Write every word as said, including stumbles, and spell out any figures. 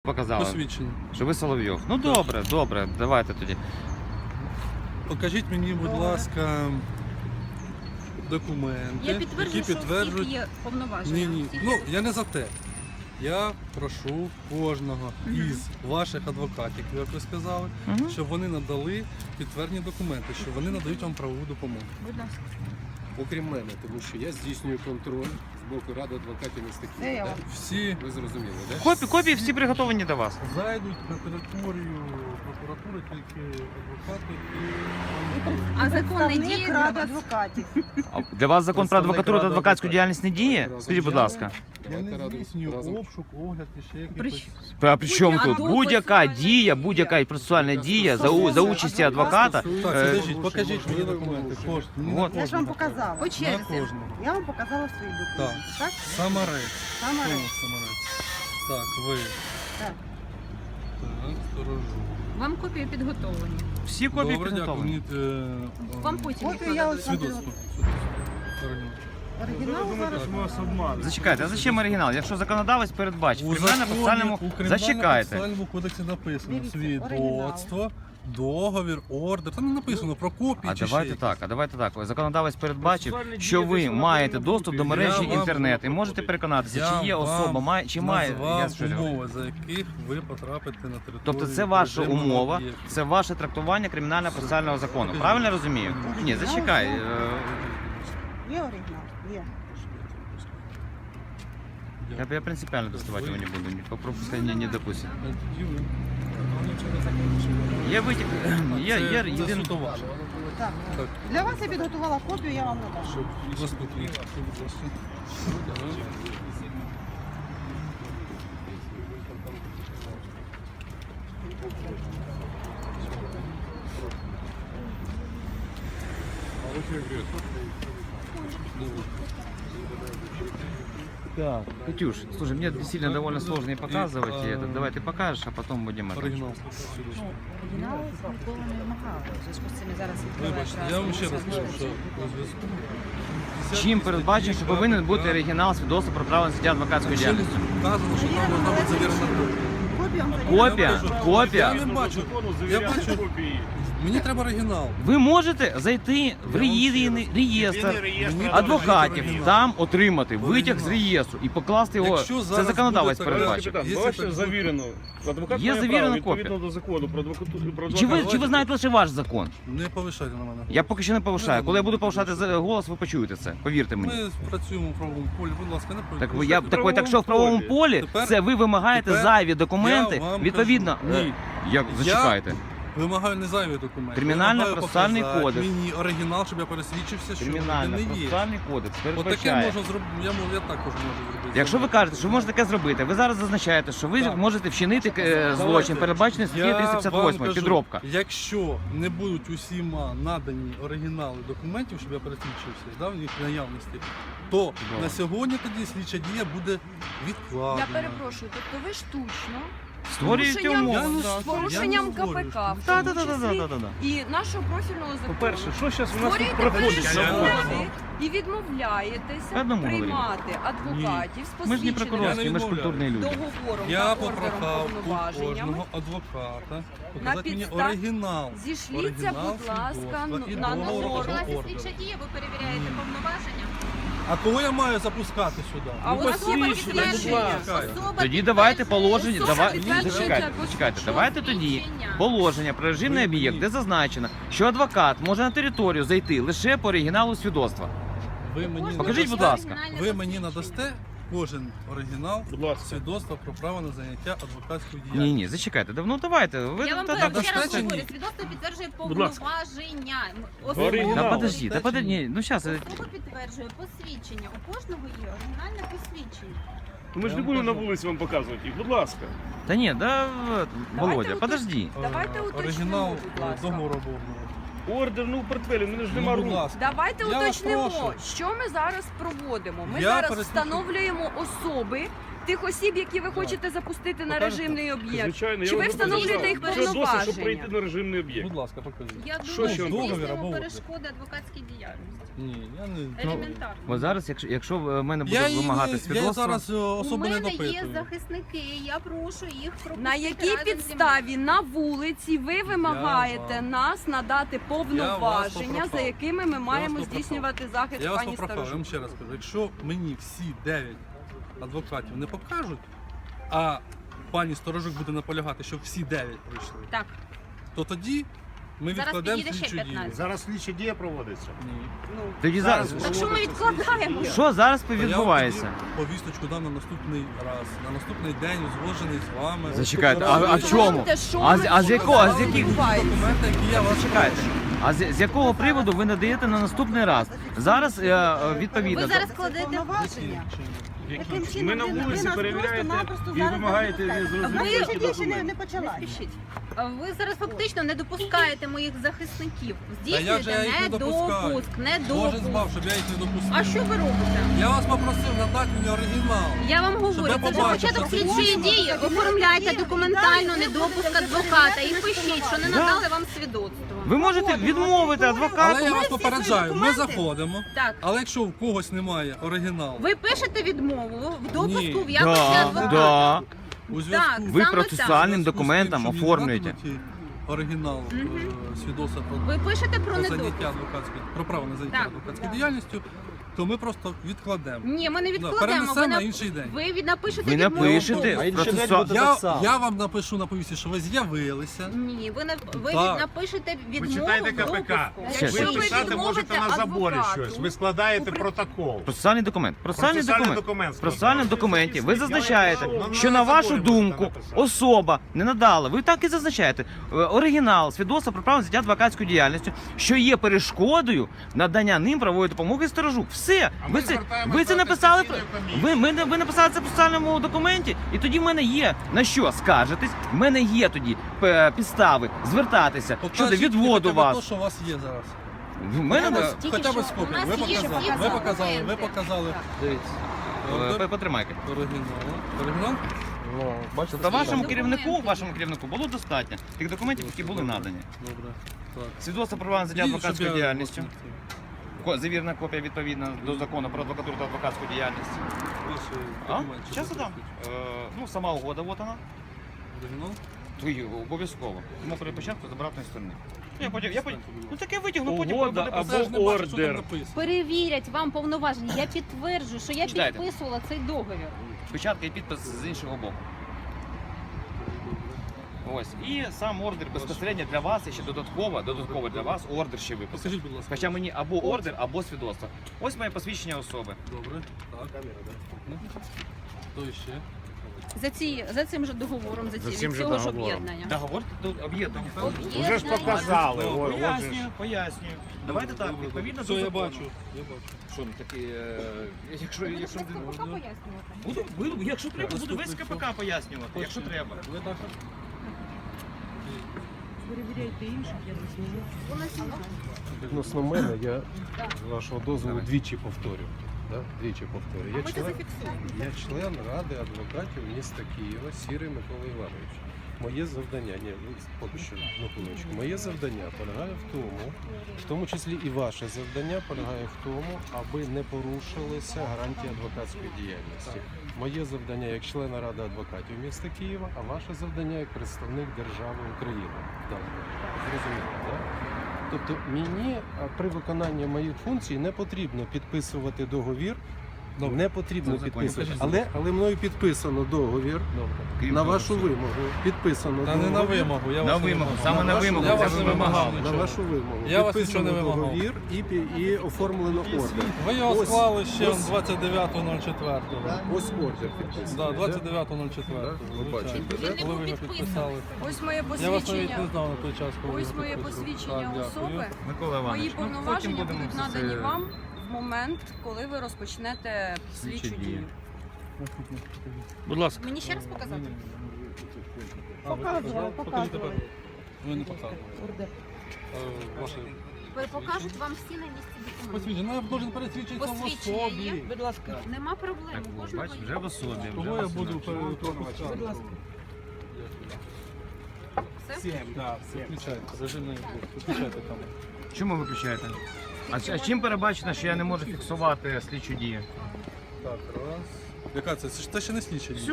Показали, Посвідчення. що ви Соловйов. Ну добре, добре, давайте тоді. Покажіть мені, будь ласка, документи, Я підтверджую, які що у підтверджують. всіх є повноваження. Ні, ні. Всіх Ну, є. я не за те. Я прошу кожного із ваших адвокатів, як ви сказали, Мгм. щоб вони надали підтверджені документи, що вони надають вам правову допомогу. Будь ласка. Окрім мене, тому що я здійснюю контроль з боку Ради адвокатів міста Києва. Да? Всі Ви зрозуміли, так? Копі, копії всі приготовані до вас. зайдуть на територію прокуратури тільки адвокати і А закон не діє Представник для Ради вас? адвокатів. А для вас закон про адвокатуру та адвокатську діяльність не діє? Разом Скажіть, будь взяли. ласка. я не Давайте здійснюю разом. обшук, огляд і ще При якихось. А при чому А тут? до Будь-яка процесуальна дія, дія. будь-яка процесуальна дія за, у- за участі адвоката. Так, Е, підождіть, покажіть мені документи. Кожен. Мені на От. Я ж вам кожного. показала. По На черзі. кожного. Я вам показала свої документи. Так? Самарець. Саме Хто речі. Самарець? Так, ви. Так. Так, сторожу. Вам копії підготовлені. Всі копії Добре, дякую. підготовлені. Мені, е, Вам потім їх Копію я нададуть. ось свідоцтво. Оригінал зараз. Зачекайте, а зачем оригінал? Якщо законодавець передбачив, У в кримінально-процесуальному... законі, у Зачекайте. Кримінально-процесуальному кодексі написано Дивіться, свідоцтво, договір, ордер. Там не написано про копії А чи давайте ще так, а давайте так. Законодавець передбачив, що ви маєте доступ до мережі Я вам- інтернет і можете переконатися, чи є особа, має, чи має. Я назвав що ж- умови, за яких ви потрапите на територію. Тобто це ваша режимного умова, об'єкту. це ваше трактування кримінально-процесуального закону. Правильно я розумію? Ні, зачекай. е, Є оригінал? Є. Я, я принципиально доставать его не буду, не пропускать не, не допустим. Тоді ви- Я витяг, я, Це- я це єдин... суто ваше. Так. Так, Для вас я підготувала копію, я вам надам. щоб заступник. Будь ласка. Так, Катюш, слушай, мне действительно довольно сложно и показывать И, и а, это. Давай ты покажешь, а потом будем это. Оригінал. Оригінал ніколи не вимагали. У зв'язку з цим я зараз Вибачте, я вам ще раз кажу, що у зв'язку. Чим передбачено, що повинен бути оригінал свідоцтва про право на життя адвокатської Ще не діяльності? вказано, що там должна бути завірена копія. Копію вам Копія, Я копія. не бачу. Я бачу. Мені треба оригінал. Ви можете зайти в реєстр, реєстр Мені адвокатів, оригінал. там отримати витяг з Оригінал. реєстру і покласти його. Якщо Це зараз законодавець буде така- передбачив. Якщо Капітан, бачите так завірено. Адвокат Є має завірена право, копія. відповідно до закону про адвокатуру. Про Чи ви, адвоката. чи ви знаєте лише ваш закон? Не повишайте на мене. Я поки що не повишаю. Коли я буду повишати за- голос, ви почуєте це. Повірте мені. Ми працюємо в правовому полі, будь ласка, не Так, ви- повишайте. я, в так, ви- так що в правовому правовому полі Тепер- це ви вимагаєте тепер зайві документи, я вам відповідно. кажу, е, ні. Як зачекайте. Вимагаю не зайві документи. Кримінально-процесуальний Я вимагаю кодекс. показати Мені оригінал, щоб я пересвідчився, що Кримінально він не є. процесуальний кодекс Отаке передбачає. можна зробити, я, можу- я також можу зробити. Якщо ви кажете, що ви можете таке зробити, ви зараз зазначаєте, що ви Так. можете вчинити е, злочин, передбачений статтею Я триста п'ятдесят восьм, вам кажу, підробка. Якщо не будуть усіма надані оригінали документів, щоб я пересвідчився, да, в їх наявності, то на сьогодні тоді слідча дія буде відкладена. Я перепрошую, тобто ви штучно Створюєте порушенням- умови. Я не да. створюю. з порушенням Я не говорю, КПК, що- в Так, тому так, так, числі так, так, так. і нашого профільного закону. По-перше, що зараз у нас тут Створюєте проходить? перешкоди і відмовляєтеся Одному говорили. приймати адвокатів з Ми ж не посвідченими прокурорські, ми ж відмовляю. культурні люди. договором Я та ордером попрохав у повноваженнями. кожного адвоката показати мені підстав- оригінал. Зійшліться, Оригінал будь ласка, свідоцтва і на договору норму. або Власне, ордеру. слідча дія, ви перевіряєте повноваження. А кого я маю запускати сюди? А у нас є Особа посвідчення. підтверджує. Чекай. Особа Тоді давайте положення, Особа давай, підтверджує зачекайте, це зачекайте, посвідчення. давайте тоді Посвідчення. положення про режимний Ви об'єкт, мені- де зазначено, що адвокат може на територію зайти лише по оригіналу свідоцтва. Ви мені, Покажіть, будь надасте- ласка. ви мені надасте кожен оригінал Будь ласка. свідоцтва про право на заняття адвокатською Ні, діяльністю. ні, зачекайте. Ну давайте. Ви Я вам та- кажу, та- ще раз достатньо? говорю, свідоцтво підтверджує Будь ласка. повноваження. Оригінал. Та Особа подожди, та подожди, ні, ну зараз. Особа підтверджує посвідчення. У кожного є оригінальне посвідчення. Ми ж не будемо на вулиці вам показувати їх, будь ласка. Та ні, да, Володя, уточ- подожди. Давайте Е, уточнимо, оригінал будь ласка. договору обов'язково. Ордер, ну в портфелі, в мене ж Ну, нема будь рук. ласка. Давайте Я вас уточнимо, прошу. що ми зараз проводимо. Ми Я зараз пересвідчу- встановлюємо особи, тих осіб, які ви хочете запустити на режимний об'єкт? Звичайно, Чи я ви вам встановлюєте показав. їх Що досить, щоб повноваження? прийти на режимний об'єкт. Будь ласка, покажіть. Я Що думаю, ще? що Договір здійснюємо або ордер? перешкоди адвокатській діяльності. Ні, я не... Елементарно. Бо зараз, якщо, якщо в мене Я, буде її вимагати не- свідоцтво, я зараз е, У особо не мене є допитую. захисники, я прошу їх пропустити На якій разом зі підставі на вулиці ви вимагаєте вам- нас надати повноваження, попрохав. за якими ми маємо попрохав. здійснювати захист Я вас пані попрохав, я вам Старожук? ще раз кажу, якщо мені всі дев'ять адвокатів не покажуть, а пані Сторожук буде наполягати, щоб всі дев'ять прийшли, Так. то тоді ми Зараз відкладемо підійде ще слідчу дію. п'ятнадцять. Зараз слідча дія проводиться. Ні. Ну, тоді зараз, Так що ми відкладаємо? що зараз То я відбувається? вам тоді повісточку дам на наступний раз, на наступний день узгоджений з вами. Зачекайте, а, а в чому? Знаєте, що А, з- ми а з якого, а з сказали, яких? відбувається? Документи, які я вас Чекайте. прошу. А з, з якого приводу ви надаєте на наступний раз? Зараз е, е, відповідно. Ви до- зараз кладете Повноваження. Таким чином Ми на ви- ви вулиці нас перевіряєте просто-напросто і зараз вимагаєте запускаєте. незрозумілі Ви ще ще не, документи. не почала. Не спішіть. А Ви зараз фактично не допускаєте моїх захисників. Та я вже Здійснюєте їх не допускаю. недопуск, Боже недопуск. збав, щоб я їх не допустив. А що ви робите? Я вас попросив надати мені оригінал. Я вам говорю, я це вже побачив, початок що це слідчої можна. дії. Оформляйте документально недопуск адвоката і пишіть, що не надали вам свідоцтво. Ви можете відмовити Але адвокату. я вас всі попереджаю, ми документи. заходимо. Так. Але якщо в когось немає оригіналу, Ви пишете відмову в допуску Ні. в якості Да, адвоката. да. у зв'язку Так, Ви саме процесуальним у зв'язку з документом тим, що мені оформлюєте. нададуть оригінал е, свідоцтва про, Ви пишете про про недопуск. заняття адвокатською, про право на заняття Так. адвокатською діяльністю, то ми просто відкладемо. Ні, ми не Да, відкладемо. перенесемо Ви, на на... інший день. ви від- напишете Ви відмову. напишете процесуальний. Я, я вам напишу на повісті, що ви з'явилися. Ні, ви, не, ви Так. напишете відмову читайте в КПК. допуску. Ще, Ви ще. Якщо ви писати можете на заборі адвокату, щось. Ви складаєте у при- протокол. Процесуальний документ. Процесуальний Процесуальний документ. документ В процесуальному документі ви зазначаєте, Ну, що на на вашу заборі думку можете написати. особа не надала. Ви так і зазначаєте е, оригінал свідоцтва про право на заняття адвокатською діяльністю, що є перешкодою надання ним правової допомоги Сторожук. Все. А ми Ви це, звертаємося ви це до написали. Конституційної комісії. Ви, ми, ви написали це в процесуальному документі, і тоді в мене є на що скаржитись. В мене є тоді е, підстави звертатися щодо Покажіть відводу хоча б вас. то, що у вас є зараз. В мене Я е, вас тільки Хоча б що- з копією. у нас Ви є показали, всі ви показали, ви документи. показали. Дивіться. е, Ордер, потримайте. оригінал. Оригінал? Бачите, Тобто вашому Документи. керівнику, вашому керівнику було достатньо тих документів, які були надані. Добре. Так. Свідоцтво про право на заняття І, щоб адвокатською я діяльністю. вас Ко- Завірена копія відповідно до закону про адвокатуру та адвокатську діяльність. не- ваші А? документи, Зараз що дам. ви Е, ну, сама угода, от вона. Оригінал? Твої обов'язково. Тому при початку з обратної сторони. Ну, я потім, я потім, ну таке витягну, потім Угода буде або писати. Це ж не бачу, що там ордер. написано. Перевірять вам повноваження. Я підтверджую, що я Читайте. підписувала цей договір. Печатка і підпис з іншого боку. Ось. І сам ордер безпосередньо для вас, і ще додатково, додатково для вас ордер ще виписав. Скажіть, будь ласка. Хоча мені або ордер, або свідоцтво. Ось моє посвідчення особи. Добре. Так. Ну, то ще. За, ці, за цим же договором, за, ці, За цим від же цього ж договором. об'єднання. Договор тут об'єднання. Вже ж показали. о- от же ж. Пояснюю, пояснюю. Давайте так, відповідно Все, до я закону. бачу. Я бачу. Що ну такі, е, якщо, якщо Поки пояснювати. буду, буду, якщо треба, буду весь КПК пояснювати, якщо треба. Ви так? Перевіряйте інших, я не знаю. Відносно мене, я з вашого дозволу двічі повторю. Да? Двічі повторю. Я член, я член Ради адвокатів міста Києва Сірий Микола Іванович. Моє завдання, ні, ви поки що на хвилиночку. Моє завдання полягає в тому, в тому числі і ваше завдання полягає в тому, аби не порушилися гарантії адвокатської діяльності. Моє завдання як члена Ради адвокатів міста Києва, а ваше завдання як представник держави України. Так, зрозуміло, так? Тобто мені а, при виконанні моїх функцій не потрібно підписувати договір. Добре. Не потрібно Це в законі підписувати. написано. Але, але мною підписано договір. Крім На того, вашу що- вимогу підписано Та не на договір. вимогу. Я На вас не вимогу, вимагав. саме на вашу- вимогу, Я це вас ви не вимагав вимагали. На нічого. вашу вимогу. Я вас підписано нічого не вимагав. договір і, пі- і оформлено ордер. Ви його Ось- склали ще ось- двадцять дев'ятого нуль четвертого. Ось ордер підписаний. Да, двадцять дев'ятого нуль четвертого. Да, ви бачите, да? Коли ви його підписали. Ось моє Я вас навіть посвідчення. не знав на той час, коли ви Ось його моє підписували. посвідчення Так, дякую. особи. Микола Мої Іванович, ну, потім повноваження будемо будуть все це- надані вам в момент, коли ви розпочнете слідчу дії. дію. Будь ласка. Мені ще раз показати? А, ви Показували, показали? Покажіть показували. тепер. Ви не показали. Ордер. Е, Ваше Покажуть вам всі на місці документи. Посвідчення, ну я должен пересвідчитися в Посвідчення особі. є? Будь ласка. Нема проблем. Так, у от, кожного бач, є. вже в особі. вже Кого в я особі. буду пропускати? Будь ласка. Все? Виключайте, режимний блок. Виключайте камеру. Чому ви виключаєте? А, ч- а чим перебачено, що я не можу фіксувати слідчу дію? Так, раз. Яка це? Це ж- це ще не слідча дія.